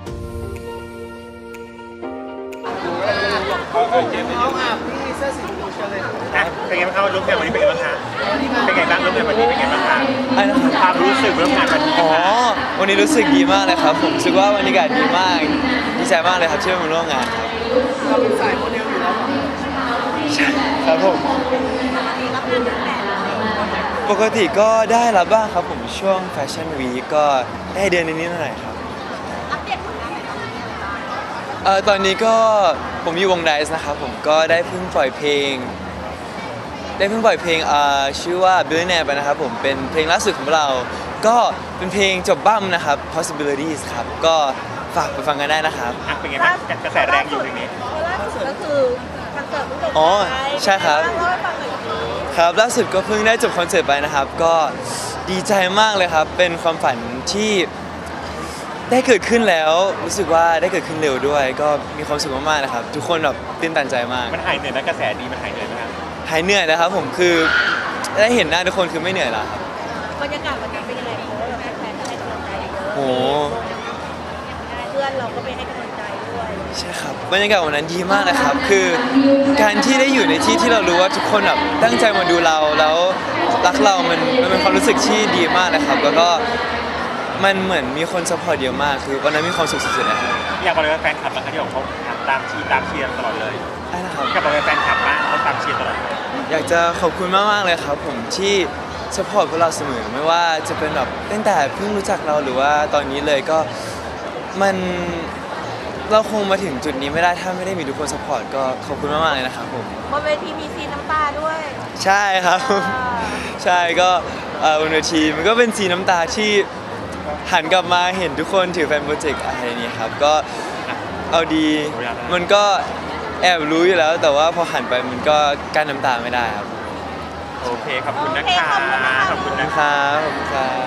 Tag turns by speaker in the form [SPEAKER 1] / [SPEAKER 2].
[SPEAKER 1] น้องอาบพี่เสื้อสีชมพูเชิญเลย
[SPEAKER 2] เป็นไงบ้างครับร่วมงานวันนี้เป็นไงบ้างคะเป็นไงบ้างร่วมงานวันนี้เป็นไงบ้างคะความรู้สึกร่วมงานวันนี้
[SPEAKER 3] อ๋อวันนี้รู้สึกดีมากเลยครับผมรู้สึกว่าบรรยากาศดีมากดีใจมากเลยครับที่ได้มาร่วมงานครับ
[SPEAKER 1] เราเป็นสายโมเดลอยู่แล้วเหรอ
[SPEAKER 3] ครับผมปกติก็ได้รับบ้างครับผมช่วงแฟชั่นวีคก็ได้เดือนนิดๆหน่อยๆครับ
[SPEAKER 4] อัปเดตผลงานหน่อยครับ
[SPEAKER 3] ตอนนี้ก็ผมอยู่วงไดซ์นะครับผมก็ได้เพิ่งปล่อยเพลงชื่อว่า Billionaire ไปนะครับผมเป็นเพลงล่าสุดของเราก็เป็นเพลงจบบั้มนะครับ Possibilities ครับก็ฝากไปฟังกันได้นะครับ
[SPEAKER 2] เป็นไงบ้างกระแสแรงอยู่ตรงนี้
[SPEAKER 4] ล่าสุดก็คือคอนเสิร์ตเพิ่งจบ
[SPEAKER 3] อ๋อใช่ครับ
[SPEAKER 4] เล่าให้ฟังหน่อยสิ
[SPEAKER 3] ครับล่าสุดก็เพิ่งได้จบคอนเสิร์ตไปนะครับก็ดีใจมากเลยครับเป็นความฝันที่ได้เกิดขึ้นแล้วรู้สึกว่าได้เกิดขึ้นเร็วด้วยก็มีความสุขมากๆนะครับทุกคนแบบตื่นตันใจมาก
[SPEAKER 2] มันหายเหนื่อยไหมกระแสดีมันหายเหนื่อยไหมครับ
[SPEAKER 3] หายเหนื่อยนะครับผมคือได้เห็นหน้าทุกคนคือไม่เหนื่อยแล้วครับ
[SPEAKER 4] บรรยากาศวันนั้นเป็นยังไงเพราะว่าแฟนๆให้กำลังใจเยอะ
[SPEAKER 3] โอ้
[SPEAKER 4] เพื่อนเราก็ไปให้กำลังใจด้วย
[SPEAKER 3] ใช่ครับบรรยากาศวันนั้นดีมากนะครับคือการที่ได้อยู่ในที่ที่เรารู้ว่าทุกคนแบบตั้งใจมาดูเราแล้วรักเรามันเป็นความรู้สึกที่ดีมากนะครับแล้วก็มันเหมือนมีคนซัพพอร์ตเยอะมากคือวันนั้นมีความสุขสุดๆนะครับ
[SPEAKER 2] อยากบอกเลยว่าแฟนคลับนะครับที่บอกเขาตามเชียร์ตลอดเลย
[SPEAKER 3] ใช่นะครับ
[SPEAKER 2] อยากบอกเลยแฟนคลับบ้างเขาตามเชียร์ตลอด
[SPEAKER 3] อยากจะขอบคุณมากๆเลยครับผมที่ซัพพอร์ตพวกเราเสมอไม่ว่าจะเป็นแบบตั้งแต่เพิ่งรู้จักเราหรือว่าตอนนี้เลยก็มันเราคงมาถึงจุดนี้ไม่ได้ถ้าไม่ได้มีทุกคนซัพพอร์ตก็ขอบคุณมากๆเลยนะครับผม
[SPEAKER 4] บนเวทีมีซีนน้ำตาด้วย
[SPEAKER 3] ใช่ครับใช่ก็บนเวทีมันก็เป็นสีน้ำตาที่หันกลับมาเห็นทุกคนถือแฟนโปรเจกต์อะไรนี้ครับก็เอาดีมันก็แอบรู้อยู่แล้วแต่ว่าพอหันไปมันก็กั้นน้ำตาไม่ได้ครับ
[SPEAKER 2] โอเคขอบคุณนะคะ
[SPEAKER 3] ขอบคุณครับ